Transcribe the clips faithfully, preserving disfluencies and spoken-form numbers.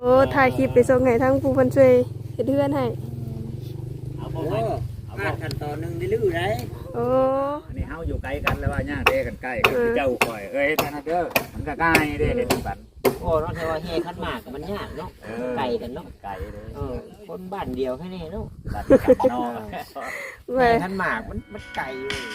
โอ้ถ่ายคลิปไปส่งให้ทั้งผู้คนช่วยเฮ็ดเฮือนให้เอาบ่ไปเอาบ่ขั้นตอนนึงได้ลื้อได้โอ้อันนี้เฮาอยู่ไกลกันแล้วว่าย่าเด้กันใกล้กันเจ้าข่อยเอ้ยท่านเด้อมันก็ง่ายเด้เฮ็ดบัดโอ้เนาะแต่ว่าเฮคันมากมันยากเนาะไกลกันเนาะไกลเด้เออคนบ้านเดียวแค่นี้เนาะบ้านกันเนาะแม่คันมากมันมันไกล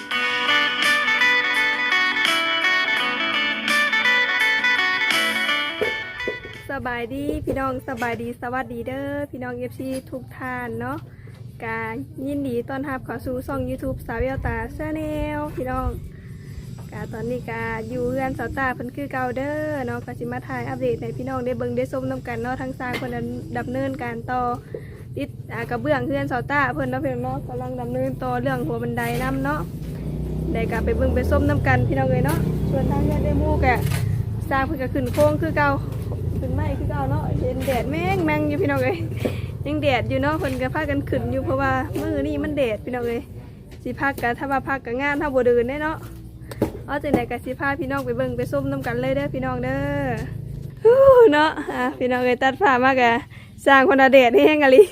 สบายดีพี่น้องสบายดีสวัสดีเด้อพี่น้อง เอฟ ซี ทุกท่านเนาะกายินดีต้อนรับเข้าสู่ช่อง YouTube สาวเวลตาชาแนลพี่น้องกาตอนนี้กาอยู่เรือนสาวตาเพิ่นคือเก่าเด้อเนาะก็สิมาถ่ายอัปเดตให้พี่น้องได้เบิ่งได้ชมนำกันเนาะทั้งสร้างเพิ่นดำเนินการต่อติดอ่ากระเบื้องเรือนสาวตาเพิ่นเนาะเพิ่นเนาะกำลังดำเนินต่อเรื่องหัวบันไดนํเนาะได้กาไปเบิ่งไปชมนำกันพี่น้องเอ้ยเนาะส่วนทางเรือนได้หมู่กะสร้างเพิ่นก็ขึ้นโค้งคือเก่าขึ้นไม้คือเก่าเนาะเห็นแดดแม่งแมงอยู่พี่น้องเอ้ยยังแดดอยู่เนาะเพิ่นก็พากันขึ้นอยู่เพราะว่ามื้อนี้มันแดดพี่น้องเอ้ยสิพักกะถ้าว่าพักกะงานถ้าบ่เดินได้เนาะเอาจังได๋กะสิพาพี่น้องไปเบิ่งไปส้มนํกันเลยเด้อพี่น้องเด้อฮู้เนาะอ่ะพี่น้องเอ้ยตัดผ้ามากะสร้างคนละแดดแห้งกะลิ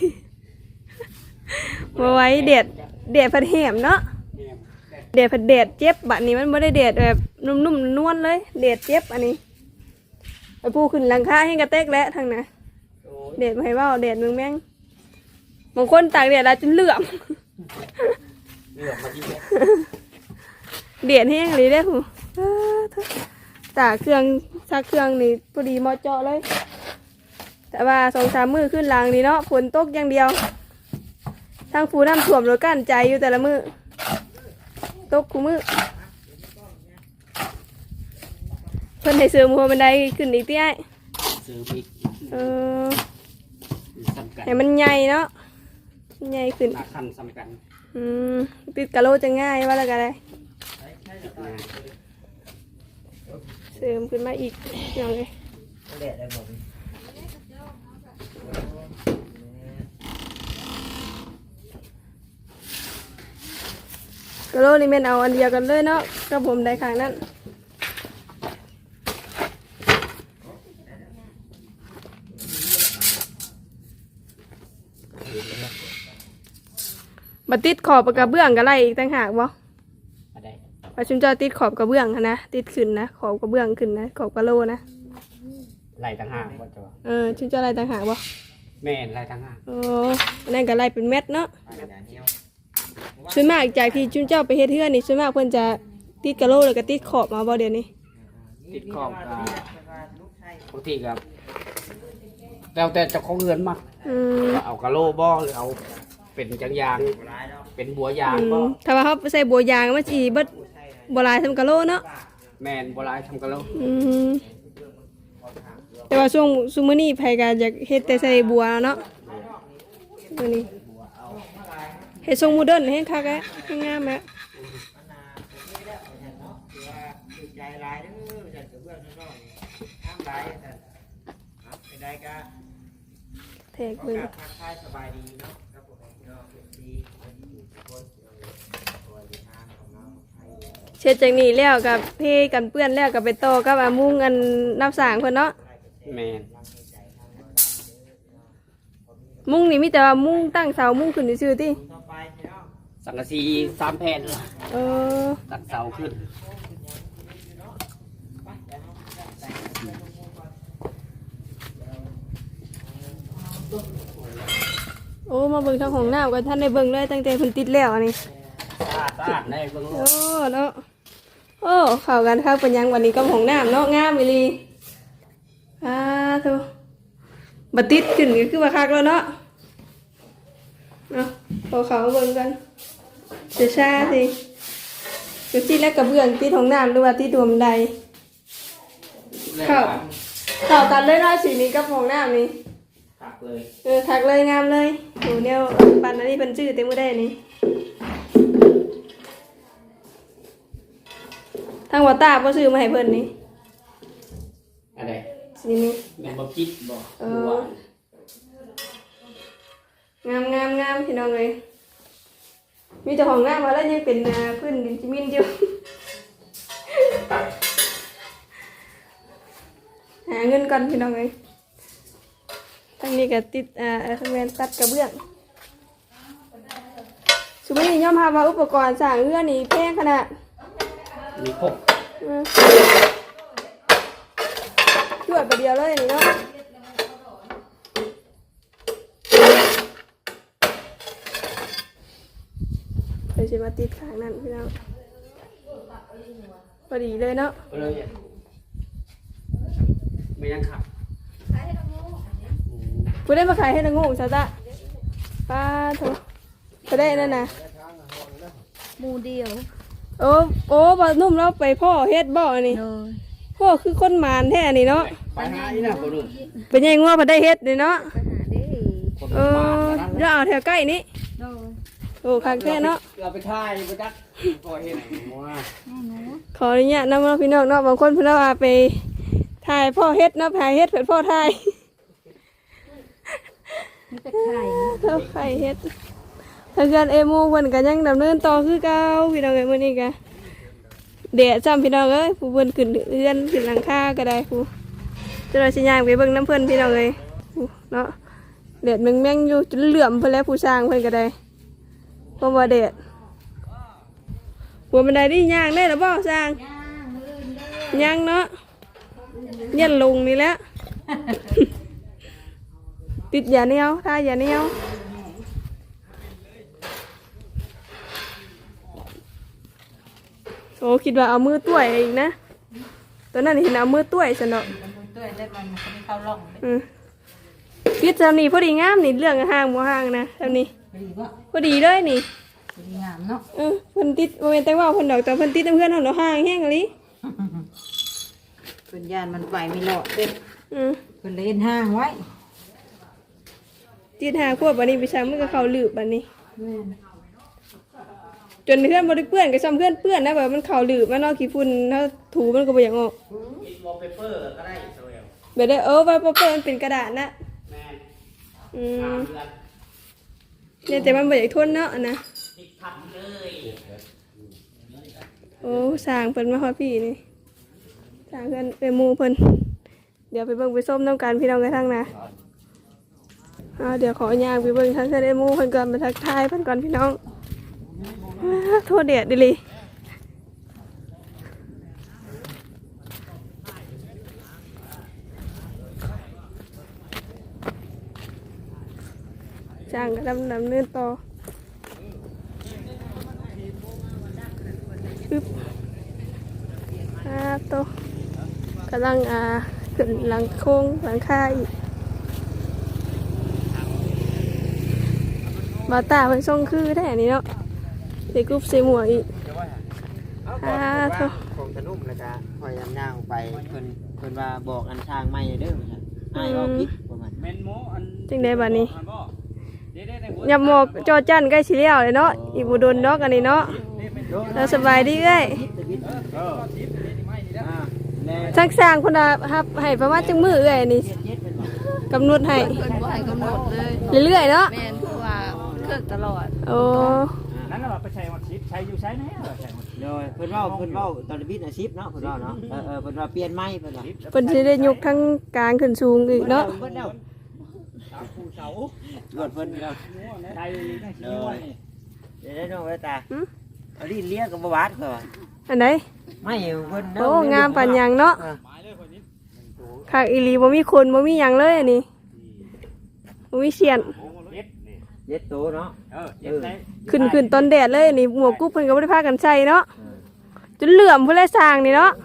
บ่ไหว้แดดแดดพัดแหมเนาะแดดพัดแดดเจ็บบัดนี้มันบ่ได้แดดแบบนุ่มๆนวลเลยแดดเจ็บอันนี้ไปปูขึ้นหลังคาให้กระเตกแล้วทางน่ะแดดบ่ให้เว้าแดดเมืองแม่งบางคนตากแดดแล้วจนเหลื่อมเหลือมาที่แม่เดียดแห้งเลยได้หูตากเครื่องซักเครื่องนี่พอดีมอเจาะเลยแต่ว่าสองสามมือขึ้นหลังนี่เนาะฝนตกอย่างเดียวทางฟูน้ำท่วมรถกั้นใจอยู่แต่ละมือตกคู่มือเพิ่นให้เสริมหัวบันไดขึ้นอีกที่ไอ้ซื้อบิ๊กเออให้มันใหญ่เนาะใหญ่ขึ้นหนักขั้นสำคัญอืมติดกะโลจะง่ายว่าแล้วกันเลยเสริมขึ้นมาอีกอย่างเลยกะโลนี่แม่นเอาอันเดียวกันเลยเนาะกับผมได้ข้างนั้นบัดติดขอบกระเบื้องกันไรอีกต่างหากบ่ว่าชุนจะติดขอบกระเบื้องนะติดขึ้นนะขอบกระเบื้องขึ้นนะขอบกระโลนะไล่ต่างหากว่าจะเออชุนจะไรต่างหากบ่แม่ไล่ต่างหากโอ้นั่นก็ไรเป็นเม็ดเนาะส่วนมากจากที่ชุนเจ้าไปเฮ็ดเฮือนนี่ส่วนมากเพิ่นจะติดกระโลหรือก็ติดขอบมาบ่เดี๋ยวนี้ติดขอบกับบางทีกับแล้วแต่เจ้าของเรือนมาเอากระโลบ่หรือเอาเป็นจังยางเป็นบัวยางบ่ถ้าว่าเขาใส่บัวยางมันสิเบิดบ่หลายทำกะโลเนาะแม่นบ่หลายทำกะโลอืมแต่ว่าช่วงซุมื้อนี้ไผก็อยากเฮ็ดแต่ใส่บัวเนาะมื้อนี้เฮ็ดทรงโมเดิร์นให้คักแอ๊ะให้งามแอ๊ะเทกเบิ่งเช็ดจากนี้แล้วกับเพกันเปื้อนแล้วกับไปโตกับอามุ้งอันน้ำสางเพิ่นเนาะแม่นมุ้งนี่มีแต่ว่ามุ้งตั้งเสามุ้งขึ้นซื่อๆติสังกะสีสามแผ่นเออตั้งเสาขึ้นโอ้มาเบิ่งทางของน้ำกันท่านได้เบิ่งเลยตั้งแต่เพิ่นติดแล้วอันนี้สะอาดได้เบิ่งโอ้เนาะโอ้เข้ากันครับเป็นยังวันนี้ก็ของน้ำเนาะงามอีหลีอ่าทุบัดติดขึ้นก็คือว่าคักแล้วเนาะเนาะพอเขาเบิ่งกันเสียชาสิก็ติดแล้วกระเบื้องติดของน้ำหรือว่าติดรวมใดเข้าเข้ากันเลยเนาะสีนี้กับของน้ำนี่ทักเลยเออทักเลยงามเลยโหเนี่ยปันอันนี้เป็นชื่อเต็มมือได้นี่ทางวัดตาบ่ซื้อมาให้เพิ่นนี่อะไรสีนี้แม่นบ่จิตบ่เอองามงามงามพี่น้องเลยมีเจ้าของงามมาแล้วยังเป็นพื้นดินจิมินอยู่หาเงินก่อนพี่น้องเลยทั้งนี้ก็ติดอ่าทำงานตัดกระเบื้องสมมติย่อมพามาอุปกรณ์สร้างเรือนี่แพงขนาดมีครบอืมช่วยประเดียวเลยนี่เนาะเดี๋ยวจะมาติดข้างนั้นพี่น้องพอดีเลยเนาะเลยไม่ยังขับกูได้มาขายให้นางงูซะจ้ะป้าโถก็ได้นั่นนะหมูเดียวโอ้โอ้บอนุ่มเราไปพ่อเฮ็ดบ่อนี่โดยพ่อคือคนมานแท้นี่เนาะไปหาอีน่ะบ่รู้เป็นยังงัวพอได้เฮ็ดนี่เนาะไปหาได้คนเออมาเราเอาแถวใกล้นี้โดยโอ้คักแท้เนาะเราไปถ่ายไปจักก็เห็นว่าแม่หนูขออนุญาตนำเนาะพี่น้องเนาะบางคนเพิ่นว่าไปถ่ายพ่อเฮ็ดเนาะถ่ายเฮ็ดเพิ่นพ่อถ่ายมีแต่ไข่เท่าไข่เฮ็ดทางการเอมูเพิ่นก็ยังดำเนินต่อคือเก่าพี่น้องเอ้ยมื้อนี้ก็แดดซ้ำพี่น้องเอ้ยผู้เพิ่นขึ้นเรือนขึ้นหลังคาก็ได้ผู้จะเราสิย่างไปเบิ่งน้ำเพิ่นพี่น้องเอ้ยผู้เนาะแดดแม่งๆอยู่จนเหลื่อมเพิ่นแล้วผู้สร้างเพิ่นก็ได้เพราะว่าแดดหัวบันไดนี่ย่างได้หรือบ่สร้างย่างเนาะเยันลงนี่แหละ ติดยาเหนียวทายาเหนียวโอ้คิดว่าเอามือต้วยอีกนะตอนนั้นเห็นเอามือต้วยสนอด้วยได้มันมันเข้าร่องอืมพิษเจ้านี่พอดีงามนี่เรื่องห่างบ่ห่างนะเจ้านี่ดีว่าพอดีเลยนี่ดีงามเนาะเออเพิ่นติดบ่แม่นแต่ว่าเพิ่นดอกแต่เพิ่นติดน้ำเพื่อนเฮาเนาะห่างแฮงอีหลีเป็นยานมันไปไม่หลอดเด้อืมเป็นเล่นห้างไว้ติดหาขวบบัดนี้ไปช้างมันก็เข้าลืบบัดนี้แม่นจนเพื่อนบ่ได้เปื้อนก็ซ้ำเพื่อนเปื้อนนะแบบมันเข้าลืบมันเนาะขี้ฝุ่นถ้าถูมันก็บ่อยากออกติดวอลเปเปอร์ก็ได้โซเอลแบบได้เออไว้เปื้อนมันเป็นกระดาษนะแม่นอืตาม มเดือนเนี่ยแต่มันบ่อยากทนเนาะอันนะติดพันเลยโอ้สร้างเพิ่นมาฮอดพี่นี่สร้างเพิ่นไปหมู่เพิ่นเดี๋ยวไปเบิ่งไปส้มน้ำกันพี่น้องกันทั้งนะอ่าเดี๋ยวขอย่างไปเบิ่งทั้งเพิ่นได้หมู่เพิ่นก่อนมาทักทายเพิ่นก่อนพี่น้องอ้าโทษแดดดิลิจ้างก็ดำดำเนินต่อชึบอ่าโตะกำลังอ่าขึ้นหลังโค้งหลังคาอีกบาตาเป็นทรงคือแท้นี่เนาะใส่กรุ๊ปใส่หมวกอีกอ่าโตะของตะนุ่มแล้วก็พยายามย่างไปเพิ่นเพิ่นว่าบอกอันทางไม่เด้อว่าซั่นอ้ายว่าผิดประมาณเมนโมอันจึงได้บัดนี้อันบ่เด้ๆในหัวยับหมอกจอจันใกล้สิแล้วเลยเนาะอีบุดนเนาะกันนี่เนาะเราสบายดีเอ้ยเออทิปนี่ไม่นี่แล้วอ่าแน่สร้างสร้างคนละครับให้ประมาณจังมือเอ้ยนี่เจ็ดเป็นว่ากำหนดให้เพิ่นบ่ให้กำหนดเลยเรื่อยๆเนาะแม่นเพราะว่าเครื่องตลอดโอ้นั่นน่ะไปใช้วัดทิปใช้อยู่ใช้ไหนอ่ะใช้วัดโดยเพิ่นเว้าเพิ่นเว้าตอนบิดอาชีพเนาะเพิ่นเว้าเนาะเออเออเพิ่นว่าเปลี่ยนไม้เพิ่นว่าเพิ่นสิได้ยกทั้งกลางขึ้นสูงอีกเนาะเพิ่นแล้วตามภูเสารวดเพิ่นแล้วใช้นั่งสิวนี่เดี๋ยวได้น้องไว้ตาเอาลิ้นเลี้ยกับบ่บาดเพิ่นว่าอันไหนไม่เพิ่นโอ้งามปานหยังเนาะออหมายเลยคนนี้ค่ะอีหลีบ่มีคนบ่มีหยังเลยอันนี้บ่มีเสียนเจ็ดนี่เจ็ดโตเนาะเออเจ็ดไหนขึ้นขึ้นตอนแดดเลยอันนี่หมวกกุ๊บเพิ่นก็บ่ได้พากันใส่เนาะจนเหลื่อมเพิ่นเลยสร้างนี่เนาะ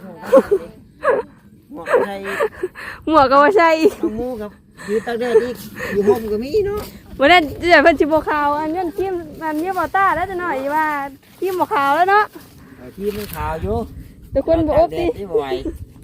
หมวกใส่หมวกก็บ่ใส่อีกน้องหมูกับอยู่ตากแดดอีกอยู่ห่มก็มีเนาะวันนั้นเดี๋ยวเพิ่นสิบ่ขาวอันนั้นทีมอันนี้บ่ต้าแล้วจะหน่อยว่าทีมบ่ขาวแล้วเนาะเออที่มันขาวอยู่แต่คนบ่อบติตากแดดที่บ่ไหว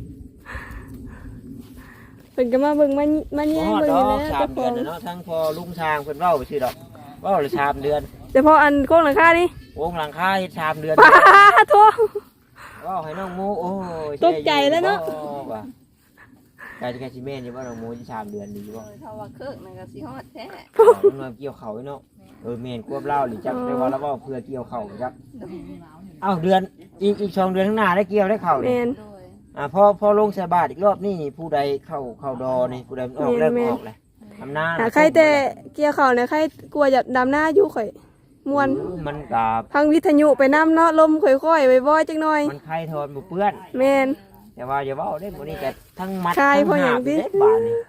เพิ่นก็มาเบิ่งมามาบ่แย่งฮอดเบิ่งดอนี่กแหละสามเดือนน่ะเนาะทั้งพอลุงช้างเพิ่นเว้าไปซื่อดอกเว้าเลยสามเดือนแต่พออันโค้งหลังคานี่วงหลังคาเฮ็ดสามเดือนป้าโทเว้าให้น้องหมูโอ้ยตกใจแล้วเนาะว่าไก่จะแค่สิแม่นอยู่ว่าน้องหมูสิสามเดือนดีบ่เท่าว่าเครื่องนั่นก็สิฮอดแท้มันมาเกี่ยวเขาเนาะเออแม่นควบเล่าหรือจักได้ว่าแล้วเว้าเพื่อเกี่ยวเขาจักเอ้าเดือนอีกอีกสองเดือนข้างหน้าได้เกี่ยวได้เข้าแม่นี่นโดยอ่าพอพอลงใส่บาทอีกรอบนี่ผู้ใดเข้าเข้าดอนี่ผู้ใดมันออกแล้วแม่นออกเลยำนาหาใครแต่เกี่ยวข้าวเนี่ยใครกลัวจะดำหน้าอยู่ข่อยม่วนมันกับพังวิทยุไปน้ำเนาะลมค่อยๆบ่อยๆจังหน่อยมันไข่ทอนบ่เปื้อนแม่นแต่ว่าอย่าเว้าได้มื้อนี้ก็ทั้งมัดไข่ทั้งเพราะหยังหาบติเด้บาดนี่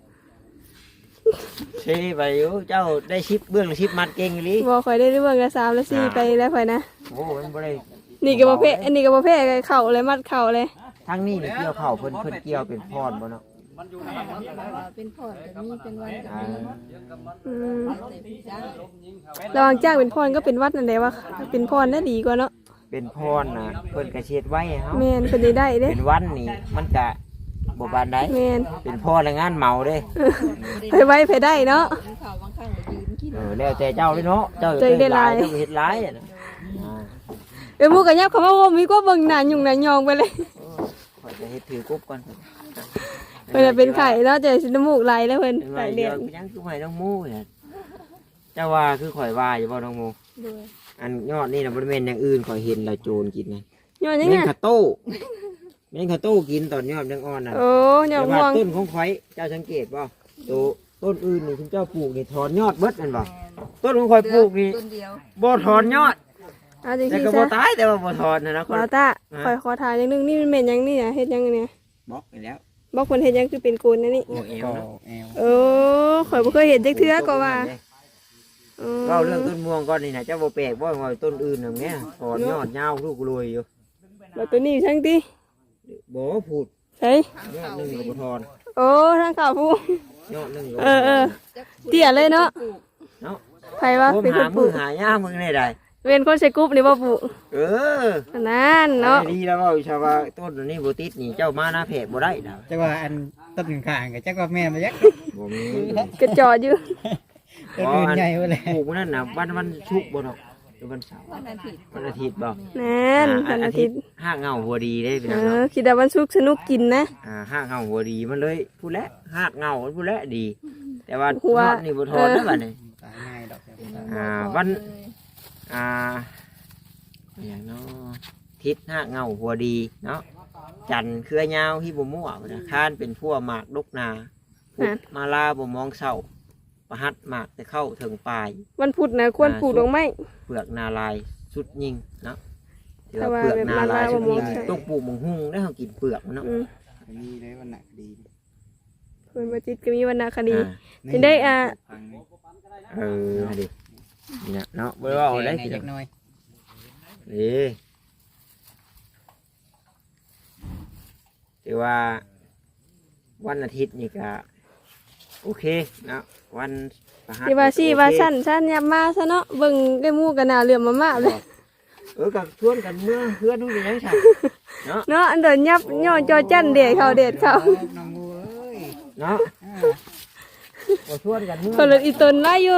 เช่ไปอยู่เจ้าได้ชิปเบื้องชิปมัดเก่งอีหลีบ่ข่อยได้เรื่องละสามละสี่ไปแล้วข่อยนะโอ้มันบ่ได้นี่ก็บ่เพ่อันนี้ก็บ่เพ่เข่าเลยมัดเข่าเลยทั้งนี้นี่เกี่ยวข้าวเพิ่นเพิ่นเกี่ยวเป็นพรบ่เนาะเป็นพอดก็มีเป็นวันก็อ่ามีอืมแต่ผู้จ้างระหว่างจ้างเป็นพรก็เป็นวัดนั่นแหละว่าเป็นพรน่าดีกว่าเนาะเป็นพรน่ะเพิ่นก็เช็ดไว้ให้เฮาแม่นเพิ่นได้ได้เด้เป็นวันนี่มันก็บ่ปานใดแม่นเป็นพรและงานเมาเด้ไปไว้ไปได้เนาะกินข้าวบางครั้งก็ยืนกินเออแล้วแต่เจ้าเลยเนาะเจ้าเจ้าได้หลายเจ้าเฮ็ดหลายอะนะอ่าเอ้ยหมูก็ยับคำว่าโอ้มีก็เบิ่งหน้ายุ่งหน้ายองไปเลยข่อยจะเฮ็ดถือกบก่อนเพิ่นนะเป็นไข่เนาะเจอสิน้ำมูกไหลแล้วเพิ่นเป็นไข่ว่าเดืเดี๋อยวดยังคือให้น้องหมูเนี่ยเจ้าว่าคือข่อยว่าอยู่บ่น้องหมูด้วยอันยอดนี่น่ะบ่ได้แม่นอย่างอื่นข่อยเห็นแล้วโจรกินนะย้อนยังแม่ไงนข้าวโต้แม่นข้าวโต้กินตอนยอดยังอ่อนน่ะโอ้ยอแต่ดว่าม่วงต้นของข่อยเจ้าสังเกตบ่ตัวต้นอื่นนี่คุณเจ้าปลูกนี่ถอนยอดเบิดแม่นบ่ต้นของข่อยปลูกนี่ต้นเดียวบ่ถอนยอดเอาจริงแต่ๆก็ซะบ่ตายแต่ว่าบ่ถอนนะนะคนวาตาคอยขอทานอย่างหนึงนี่มันเป็นหยังนี่น่ะเฮ็ดหยังเนี่ยบล็อกไปแล้วบอกคนเฮ็ดหยังคือเป็นโกนนะนี่โอ้เอวก็เนาะแอลเออข่อยบ่เคยเห็นจักเทื่อก็ว่า อืมเล่าเรื่องต้นม่วงก่อนนี่นะเจ้าบ่แปลกบ่ว่าต้นอื่นอย่างเงี้ยถอนยอดยาวลูกรวยอยู่แล้วตัวนี้ทั้งติบ่พูดใช่ยอดหนึงก็บ่ถอนโอ้ทางข่าวผู้ยอดหนึงก็เออเออเตี้ยเลยเนาะเนาะไผว่าผมเป็นคหานปมืลูอก หายามมึงได้ได้เป็นคนใส่กรุ๊ปนี่บ่ปลูกเออนั่นเนาะดีแล้วว่าชาวว่าต้นนี้บ่ติดนี่เจ้ามาหน้าเพจบ่ได้ดอกจักว่าอันต้นข้างๆก็จักว่าแม่นบ่ยักบ่มีกระจอดอยู่ต้นอื่นใหญ่บ่เลยปลูกมันนั่นน่ะวันวันชุกร์บ่ดอกหรือวันเสาร์วันอาทิตย์วันอาทิตย์บ่นั่นอ่าวันอาอาทิทิตตย์ย์ห้าเงาหัวดีได้พี่เอน้องอเนาะคิดว่าวันศุกร์สนุกกินนะอ่าห้าเงาหัวดีมันเลยผู้และห้าเงาผู้และดี แต่ว่าหัวยอดนี่บ่ถอนได้อบัดนี้ตายง่ายดอกอ่าวัน อ่าอย่างเนาะทิศห้าเงาหัวดีเนาะจันทร์เครือยาวที่บ่มั่วนะค้านเป็นพั่วหมากดกนาพุธมาลาบ่มองเศร้าประหัดหมากแต่เข้าถึงปลายวันพุธนะควรปลูกดอกไม้เปลือกนาลายสุดยิงเนาะเดี๋ยวแต่ว่าเปลือกนาลายสุดยิงแบบนาลายบ่มองใส่ต้องปลูกมังหุงได้เขากินเปลือกมันเนาะอืมมีเลยวันหนักดีเพิ่นบ่จิตก็มีวรรณคดีอ่าจะได้อ่าเออเอาดิเนี่ยเนาะบ่ได้ว่าเอาได้ได้สิจักหน่อยเอ้ถือว่าวันอาทิตย์นี่ก็โอเคเนาะวันประหัสที่ว่าซี่โอเคว่าสั้นสั้นยับมาซะเนาะเบิ่งได้หมู่กันหน้าเหลื่อมมามาเลยเออกับชวนกันเมื่อเพื่อนนู่นนี่ยังใช่เนาะเนาะอันเดินยับย่อจอจันเด็ดเขาเด็ดเขาน้องงูเอ้ยเนาะก็ชวนกันเมื่อเขาเลยอีตนไล่อยู่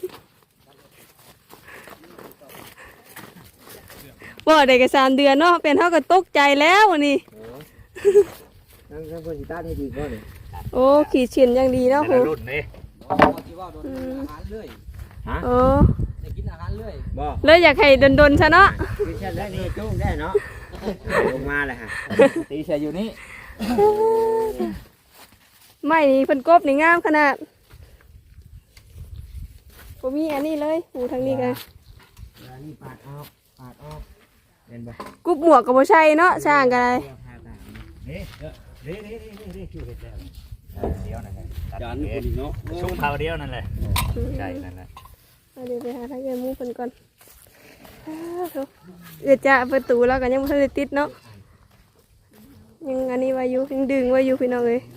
บ่ได้ก็สามเดือนเนาะเป็นเฮาก็ตกใจแล้ววันนี้นั่งนั่งคนสิตาให้ดีก่อนเลยโอ้ขีดเฉียนอย่างดีเนาะครูรุ่นนี่อืมฮะโอ้บ่เลยอยากให้ดนๆซะเนาะคือเช่นได้นี่จุ้งได้เนาะลงมาเลยฮะตีใส่อยู่นี่ไม่นี่เพิ่นกบนี่งามขนาดบ่มีอันนี้เลยหูทางนี้กันนี่ปาดออกปาดออกเห็นบ่กุบหมวกก็บ่ใช่เนาะสร้างกันเลยนี่นี่นี่นี่นี่คิวเห็ดแล้วเดียวนั่นแหละจานคนเนาะชุ่มเผาเดียวนั่นแหละใช่นั่นแหละเอาเดี๋ยวไปหาทางเงินหมู่เพิ่นก่อนอ้าวโถ่เอื้อจะประตูแล้วก็ยังบ่ทันได้ติดเนาะยังอันนี้ไว้อยู่ยังดึงไว้อยู่พี่น้องเอ้ย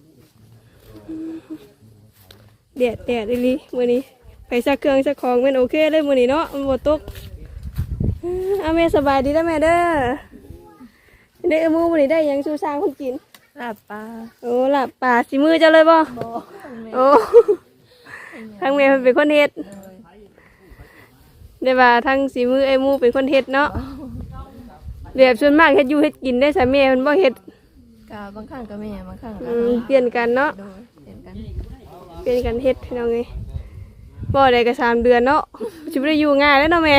แดดแดดอีหลีมื้อนี้ไปซักเครื่องซักของแม่นโอเคเลยมื้อนี้เนาะมันบ่ตกอ้าวแม่สบายดีเด้อแม่เด้อได้เอาหมู่มื้อนี้ได้หยังสู่สร้างคนกินลาบปลาโอ้ล่ะป่าสีมือเจ้าเลยบ่บ่โอ้ทางแม่เพิ่นเป็นคนเฮ็ดได้ว่าทางสีมือไอ้หมูเป็นคนเฮ็ดเนาะแบบส่วนมากเฮ็ดอยู่เฮ็ดกินได้สามีเพิ่นบ่เฮ็ดกาบางครั้งก็แม่บางครั้งก็อืมเปลี่ยนกันเนาะโดยเห็นกันเปลี่ยนกันเฮ็ดพี่น้องเอ้ยบ่ได้ก็สามเดือนเนาะสิบ่ได้อยู่ง่ายแล้วเนาะแม่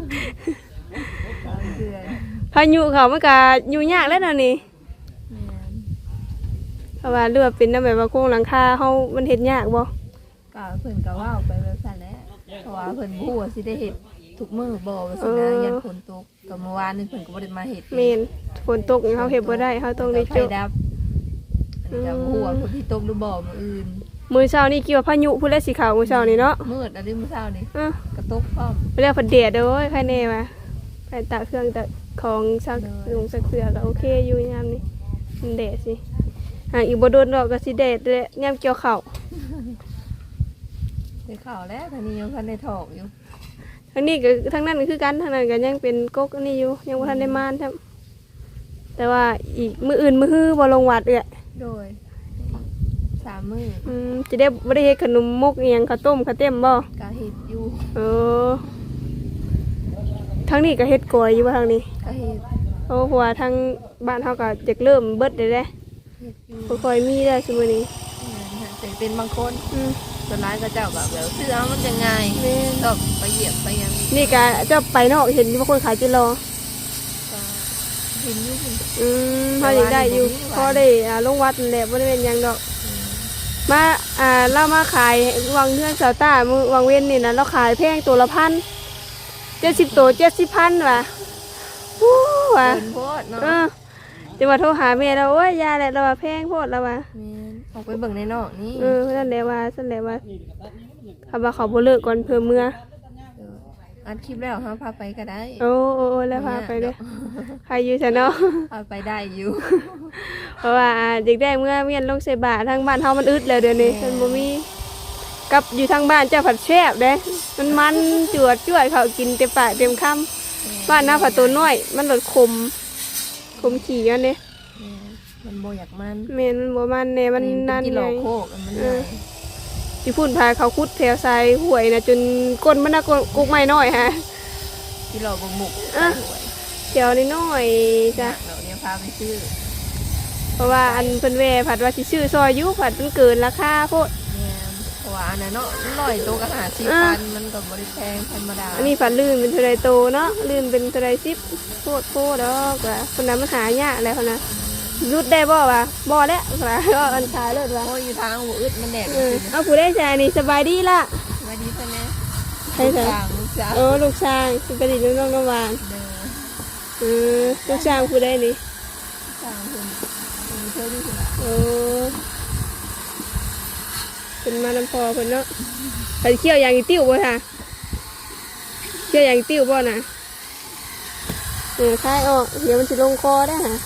เดือนพายุเขามันก็อยู่ยากแล้วเนาะนี่แม่นเพราะว่าเรือว่าเป็นนำแบบว่าโครงหลังคาเฮามันเฮ็ดยากบ่ก็เพิ่นก็ว่าไปแบบนั้นแหละเพราะว่าเพิ่นบ่ฮู้ว่าสิได้เฮ็ดทุกมื้อบ่ว่าสินะยันฝนตกก็เมื่อวานนี้เพิ่นก็บ่ได้มาเฮ็ดแม่นฝนตกเขาเฮ็ดบ่ได้เขาต้องได้ไฟจุดับอันนี้ก็บ่ฮู้ว่าฝนสิตกหรือบ่มื้ออื่นมื้อเช้านี่เกี่ยวพายุพุ่นแหละสิเข้ามื้อเช้านี่เนาะมืดอะไรมื้อเช้านี่เออก็ตกพร้อมไปแล้วเพิ่นแดดเด้อโอ้ยใครแน่ว่าไปตากเครื่องตากของซักลงซักเสื้อก็โอเคอยู่ยามนี้มันแดดสิหากอีกบ่โดนดอกก็สิแดดแหละยามเกี่ยวข้าวได้ข่าวแล้วทางนี้ยังพันได้ถอกอยู่ทั้งนี้ก็ทั้งนั้นก็คือกันทั้งนั้นก็ยังเป็นกกอันนี้อยู่ยังบ่ทันได้มานครับแต่ว่าอีกมื้ออื่นมื้อฮื้อบ่ลงวัดเอ้ยโดยสามมื้ออืมจะได้บ่ได้เฮ็ดขนมมกอีหยังข้าวต้มข้าวเต็มบ่กะเฮ็ดอยู่เออทั้งนี้ก็เฮ็ดกอยอยู่บ่ทางนี้กะเฮ็ดเพราะว่าทางบ้านเฮาก็อยากเริ่มเบิดได้แล้วเฮ็ดอยู่บ่ค่อยมีแล้วซุมื้อนี้แต่เป็นบางคนอืมส่วนร้ายก็เจ้าแบบแบบซื้อเอามันจะง่ายแม่นก็ไปเหยียบไปยังนี่ก็เจ้าไปนอกเห็นมีบางคนขายจิรอก็เห็นอยู่คุณอืมเฮายังได้อยู่พอได้อ่าลงวัดนั่นแหละบ่ได้เป็นหยังดอก มาอ่าเรามาขายวังเฮือนเสาต้ามือวังเว้นนี่นะเราขายแพงตัวละพันเจ็ดสิบตัวเจ็ดสิบพันว่ะวู้ว่ะเดินโพดเนาะเออจะมาโทรหาแม่เราโอ้ยยาแหละเราว่าแพงโพดเราว่าแม่นออกไปเบิ่งในนอกนี่เออนั่นแหละว่านั่นแหละว่าคำว่าเขาบ่เลิกก่อนเพิ่มเมื่อเอออัดคลิปแล้วฮะพาไปก็ได้โอ้โอ้โอ้แล้วพาไปเด้อใครอยู่ซะเนาะพาไปได้อยู่เพราะว่าเด็กได้เมื่อเมียนลงใส่บาททางบ้านเฮามันอึดแล้วเดี๋ยวนี้มันบ่มีกับอยู่ทางบ้านเจ้าผัดแซ่บเด้มันมันจวดจ้วยเขากินเต็มปากเต็มคำบ้านหน้าผัดตัวน้อย มันหลดคมคมขี่กันเด้แม่นมันโบอยากมันแม่นมันบ่มันแน่มันนั่นกิไงโลโคกมันเอใหญ่อ ที่พุ่นพาเขาคุดแถวทรายห่วยนะจนก้นมันน่ะกุกไม้น้อยฮะกิโลบงหมุกอ่ะใส่หวยแถวนี้น้อยจ้ะเราเนี่ยพาไปซื้อเพราะว่าอันเพิ่นแว่ผัดว่าสิซื้อซอยอยู่ผัดมันเกินราคาโพดแม่นเพราะว่าอันนั้นเนาะมันลอยโตก็หาสี่พันมันก็บริแพงธรรมดาอันนี้ผัดลื่นเป็นเท่าไรโตเนาะลื่นเป็นเท่าไรสิบโพดโพดดอกว่าคนนั้นมันหายากแล้วคนนะรุดได้บ่วะบ่แล้วว่าก็อันขายเลยว่าโอ้ยอยู่ทางหัวอึดมันแดดเออเอาผู้ได้ใจนี่สบายดีล่ะมาดีซะแน่ใช่ลูกค่ะสาวลูกสาวโอ้ลูกช้างสิไปดิน้องน้องน้ำหวานเด้อเออลูกช้างผู้ได้นี่สาวคนคนเธอที่สุดโอ้เป็นมาน้ำพอเพิ่นเนาะไปเคี่ยวอย่างอีติ้วบ่ค่ะเคี่ยวอย่างอีติ้วบ่น่ะเออคายออกเดี๋ยวมันสิลงคอได้ฮะ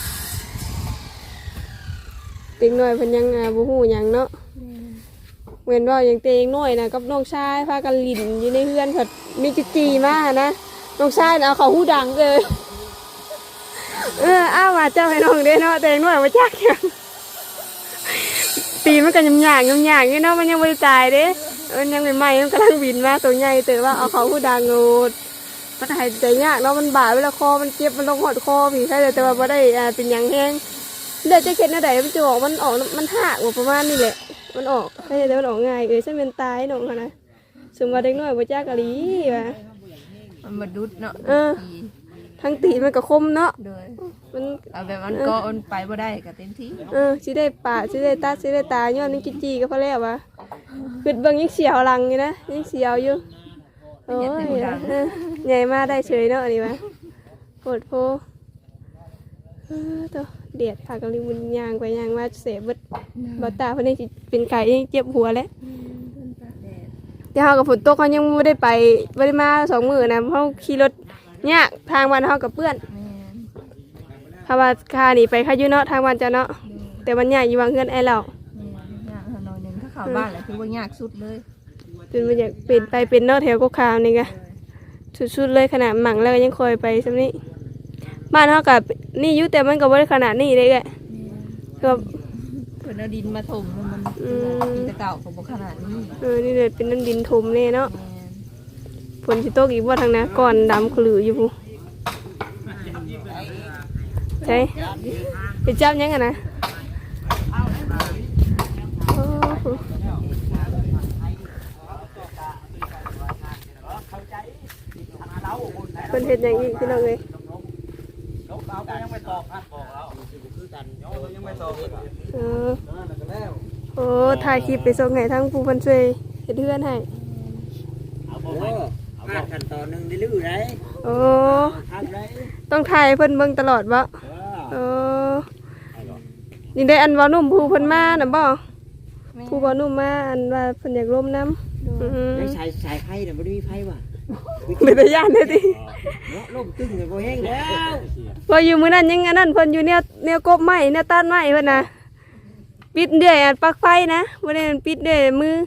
ติ๊กหน่อยเพิ่นยังอ่าบ่ฮู้หยังเนาะเว้นว่าอย่างเตงน้อยนะกับน้องชายพากันลิ้นอยู่ในเฮือนเพิ่นมีจิจีมานะน้องชายน่ะเอาเขาหูดังเลยเอออ้าวมาเจ้าให้น้องเด้เนาะเตงน้อยบ่จักหยังตีนมันก็ยำหยางยำหยางนี่เนาะมันยังไม่ได้ตายเด้มันยังใหม่ๆมันกำลังบินมาตัวใหญ่แต่ว่าเอาเขาหูดังโงดมันหายใจยากเนาะมันบาดเวลาคอมันเจ็บมันลงหอดคอพี่ใช่แต่ว่าบ่ได้อ่าเป็นหยังแห้งเลือดจะเข็ดหน้าใดมันจะออกมันออกมันหักประมาณนี้แหละมันออกใช่แต่มันออกง่ายเอ้ยฉันเป็นตายน้องเขานะสมว่าเด็กน้อยบ่จักกะลีว่ะมันมาดุดเนาะเออ ทั้งตีนมันก็คมเนาะโดยมันเอาแบบมันก็มันไปบ่ได้ก็เต็มที่เออสิได้ปะสิได้ตาสิได้ตาย้อนนี่จิจีก็พอแล้ววะคือเบิ่งยังเสียวหลังอยู่นะยังเสียวอยู่โอ้ยเออใหญ่มาได้เฉยเนาะอันนี้วะโหดโพเออตัวเดียดพากะลิมุนยางไปยางมาเสพเบิดบ่ตาเพิ่นยังสิเป็นไก่ยังเจ็บหัวแล้วเดี๋ยวเฮากับฝนตกเขายังบ่ได้ไปบ่ได้มาสองมื้อนะเพราะขี่รถยากทางบ้านเฮากับเปื้อนแม่นถ้าว่าค่านี่ไปค่าอยู่เนาะทางบ้านจะเนาะแต่มันยากอยู่วางเฮือนไอ้เราแม่นยากหน่อยหนึงถ้าเข้าบ้านแหละคือว่ายากสุดเลยจนมันอยากเป็นไปเป็นเนาะแถวกกขาวนี่ก็สุดๆเลยขนาดหมั่งแล้วก็ยังคอยไปซำนี้บ้านเฮากับนี่อยู่แต่มันก็บ่ได้ขนาดนี้เลยแกก็เพิ่นเอาดินมาถมมันอืมดินแต่เก่าก็บ่ขนาดนี้เออนี่เลยเป็นน้ำดินถมแน่เนาะแม่นฝนสิตกอีกบ่ทางนะก่อนดำขลืออยู่พุใช่ไปจับยังกันนะโอ้โหเพิ่นเฮ็ดหยังอีกพี่น้องเอ้ยเราก็ยังไม่ตอบนะบอกเราคือกันยังไม่ตอบเออโอ้ถ่ายคลิปไปส่งให้ทั้งผู้เพิ่นช่วยเฮ็ดเฮือนให้เอาบ่โอ้ไปพลาดขั้นตอนหนึงได้ลื้อได้โอ้ทำได้ต้องถ่ายให้เพิ่นเบิ่งตลอดบ่เออเออนี่ได้อันเว้านุ่มผู้เพิ่นมาน่ะบ่แม่ผู้เว้านุ่มมาอันว่าเพิ่นอยากร่วมน้ำโดยอือได้สายสายไฟน่ะบ่ได้มีไฟว่ะเป็นตาย่านเด้อติเนาะลมตึ้งเลยบ่แห้งแล้วพออยู่มื้อนั้นยังอันนั้นเพิ่นอยู่แนวแนวกบไม้แนวต้านไม้เพิ่นน่ะปิดเดือยอันปลั๊กไฟนะบ่ได้มันปิดเดือยมือ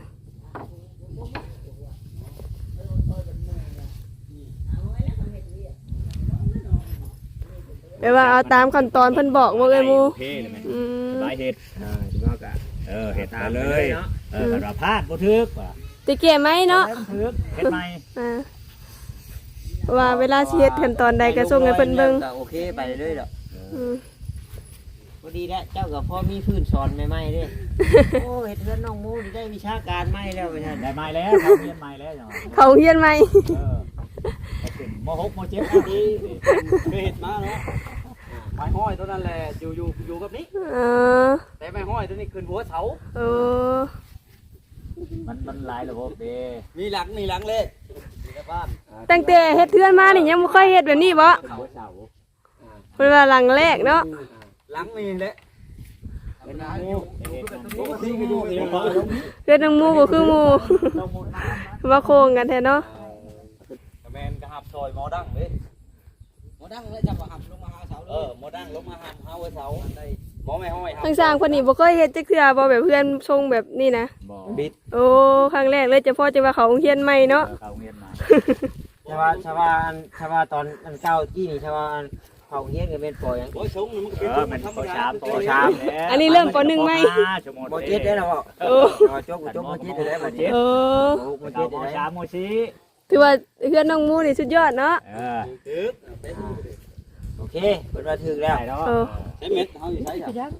แปลว่าเอาตามขั้นตอนเพิ่นบอกบ่เอ้ยหมู่โอเคเลยไหมอืมสบายเฮ็ดอ่าสิบอกกะเออเฮ็ดตาตาม มเลเลย ยเนาะเออกันว่าพลาดบ่ถึกว่ะตะเกียไหมเนาะถึกเฮ็ดใหม่อ่าเพราะว่าเวลาสิเฮ็ดขั้นตอนใดก็ส่งให้เพิ่นเบิ่งก็โอเคไปเรื่อยๆดอกอืมพอดีแล้วเจ้าก็พอมีพื้นสอนใหม่ๆเด้ โอ้เฮ็ดเฮือนน้องหมูนี่ได้วิชาการใหม่แล้วว่าซั่นได้ใหม่แล้วทำเรียนใหม่แล้วจังหวะเขาเฮียนไหมเออเอาขึ้นมหกมเจ็ดเอาดีเคยเห็นมาเนาะไม้ห้อยตัวนั้นแหละอยู่อยู่อยู่กับนี้เออแต่ไม้ห้อยตัวนี้ขึ้นหัวเสาเออมันมันหลายระบบเด้มีหลังมีหลังเลยมีแต่บ้านตั้งแต่เฮ็ดเทือนมานี่ยังบ่ค่อยเฮ็ดแบบนี้บ่ขึ้นหัวเสาเพิ่นว่าหลังแรกเนาะหลังนี่แหละเป็นน้ำมูกเฮ็ดน้ำมูปกกติก็อยู่นี่พอเฮ็ดนางหมู่บ่คือหมู่ต้องมุดน้ำว่าโครงกันแท้เนาะแมนกระหับซอยหมอดังเลยหมอดังเลยจับหับลงมาหาเสาเออหมอดังลงมาหับหาเสาหมอไม่ห้อยทางสร้างเพิ่นนี่บ่เคยเฮ็ดจักเทื่อบ่แบบเพื่อนทรงแบบนี้นะบ่บิดโอ้ครั้งแรกเลยจะพอจะว่าเขาโรงเรียนใหม่เนาะเขาเรียนมาชาวาชาวาอันชาวาตอนอันเก้าจี้นี่ชาวาอันเขาเฮียนก็เป็นปล่อยหยังโอ้ยชงมันเออมันปชามปชามอันนี้เริ่มปหนึ่งไหมบ่เจ็ดได้แล้วบ่โอ้บ่จกบ่จกบ่เจ็ดได้บ่เจ็ดเออโอ้บ่เจ็เจ็ดดได้ชามโมชิถือว่าเพื่อนน้องหมู่นี่สุดยอดเนาะเออถือโอเคเพิ่นว่าถึกแล้วได้แล้วเออใช้เม็ดเขาอยู่ใช้ไปดัก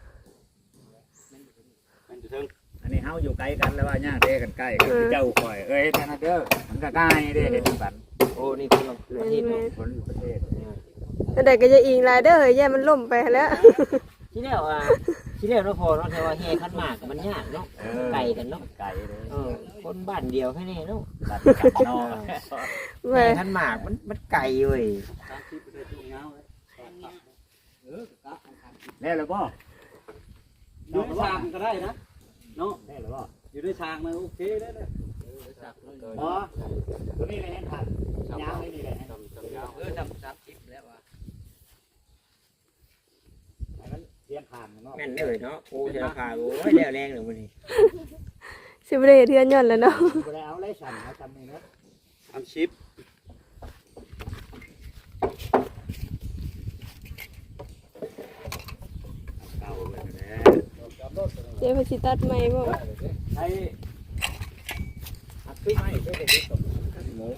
มันจะถึงอันนี้เฮาอยู่ไกลกันแล้วว่าย่างเด้กันใกล้กันเจ้าคอยเอ้ยท่านเด้อมันก็ใกล้เด้เฮ็ดกันโอ้นี่คือประเทศคนประเทศแต่ใดก็จะอิงหลายเด้อเฮ้ยแย่มันล่มไปแล้วที่แล้วอ่ะที่แล้วเนาะพอเนาะแต่ว่าแห่ขันหมากมันยากเนาะไกลกันเนาะไกลเลยเออคนบ้านเดียวแค่นี้เนาะตัดกันนอกแหม่แห่ขันหมากมันมันไกลเว้ยสามสิบเปอร์เซ็นต์ตรงยาวเลยเออแล้วหรือบ่อยู่ในชางก็ได้นะเนาะแล้วหรือบ่อยู่ในชางมันโอเคได้เลยบ่ตัวนี้เลยเห็นทันยาวเลยนี่แหละเออจำสามสิบแล้วว่ะมันเรียนผ่านเนาะแม่นเลยเนาะโอ้เสียพาโอ้ยแล้วแรงเลยมันนี่สิบ่ได้เฮ็ดเทือนย้อนแล้วเนาะบ่ได้เอาเลยสั่นเอาจำนี่เนาะสามสิบเก่าเลยนะเจ๊เพิ่นสิตัดใหม่บ่ไอ้อัดไม่ได้ได้ได้ตกหมู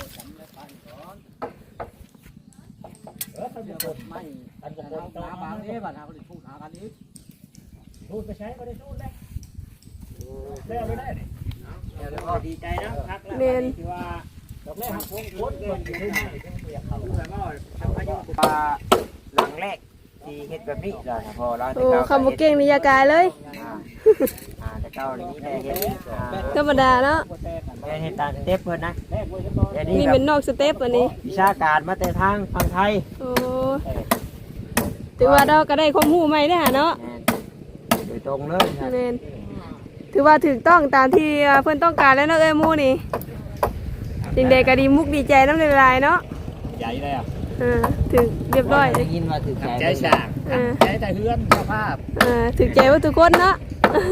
เออท่านจะไม่ท่านจะคนต่อมาเนี่ยบัดหาคนพูดหากันนี้พูดไปใช้ก็ได้พูดได้แล้วไม่ได้นี่เดี๋ยวดีใจนะพักแล้วแม่นที่ว่าดอกแรกหักพงโคตรเงินอยู่ที่ไหนที่เรียกเขาแล้วก็ทำอายุปลาหลังแรกที่เฮ็ดแบบนี้เราพอเราโอ้คำบ่เก่งนี่อย่ากายเลยอ่าอ่าแต่เก้านี้ได้เฮ็ดอ่าธรรมดาเนาะได้เฮ็ดตามสเต็ปเพิ่นนะแรกไว้จะต่อเดี๋ยวนี่นี้แบเป็นบนอกสเต็ปอันนี้วิชาการมาแต่ทางฝั่งไทยโอ้ถือว่าเราก็ได้ความรู้ใหม่เด้อหาเนาะแม่นโดยตรงเลยครับแม่นถือว่าถูกต้องตามที่เพิ่นต้องการแล้วเนาะเอ้ยหมู่นี่จริงใดก็ดีมุกดีใจน้ำลายๆเนาะใหญ่เลยอ่ะอ่าถึงเรียบร้อยได้ยินว่าถึกใจใจฉากใจแต่เฮือนสภาพอ่าถึงใจว่าทุกคนเนาะ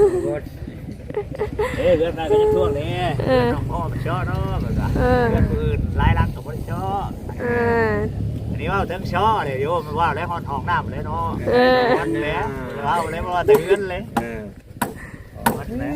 เอ้เฮือนได้ก็จะทั่วเลยเฮือนน้องพ่อมันชอบเนาะแบบว่าเออเฮือนอื่นรายรักกับคนชอบอ่าอันนี้ว่าถึงชอบเลยเดี๋ยวมันว่าแล้วหอนทองน้ำเลยเนาะเออวันแล้วว่าเลยว่าแต่เฮือนเลยเออวันแล้ว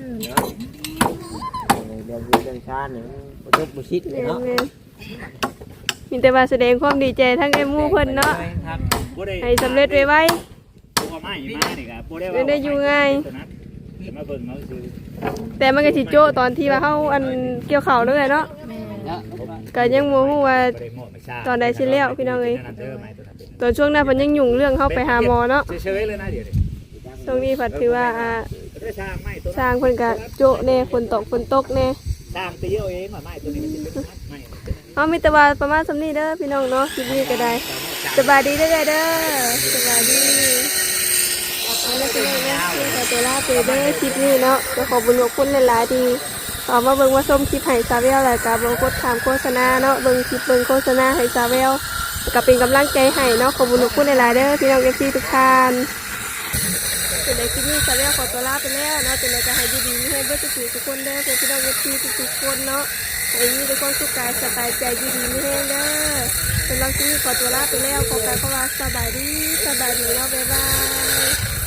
เรื่องเรื่องชาติเนี่ยบ่จบบ่ชิดเลยแม่นเนาะแม่นมีแต่ว่าแสดงความดีใจทั้งเอ้ยหมู่เพิ่นเนาะครับให้สำเร็จไวตัวไม้มานี่ครับบ่ได้ไม่ได้อยู่ง่ายมาเบิ่งเอาซื้อๆแต่มันก็สิโจ้ตอนที่ว่าเฮาอันเกี่ยวข้าวเลยเนาะแม่ก็ยังบ่ฮู้ว่า ตอนใดสิแล้วพี่น้องเอ้ย ตอนช่วงนั้นเพิ่นยังยุ่งเรื่องเฮาไปหาหมอเนาะเฉยๆเลยนะเดี๋ยวนี้ช่วงนี้ผัดถือว่าอ่าได้สร้างไม้ตัวสร้างเพิ่นก็โจะแน่ฝนตกฝนตกแน่สร้างตีเอาเองว่าไม้ตัวนี้มันจะเป็นไม้เอามีแต่ว่าประมาณสำนี้เด้อพี่น้องเนาะคลิปนี้ก็ได้สบายดีเด้อเด้อสบายดีเอาละพี่น้องนะที่ขอตัวลาไปเด้อคลิปนี้เนาะก็ขอบุญขอบคุณหลายๆดีขอมาเบิ่งมาชมคลิปให้ซาเวลแล้วก็บ่กดถามโฆษณาเนาะเบิ่งคลิปเบิ่งโฆษณาให้ซาเวลก็เป็นกำลังใจให้เนาะขอบุญขอบคุณหลายๆเด้อพี่น้องเอฟซีทุกท่านเป็นในคลิปนี้ซาเวลขอตัวลาไปแล้วเนาะเป็นในจะให้ดีๆมีให้เบิดทุกคนเด้อเพื่อนพี่น้องเอฟซีทุกๆคนเนาะให้มีแต่ความสุขกายสบายใจดีๆมีให้เด้อสำหรับคลิปนี้ขอตัวลาไปแล้วขอกล่าวคำว่าสบายดีสบายดีเนาะบ๊ายบาย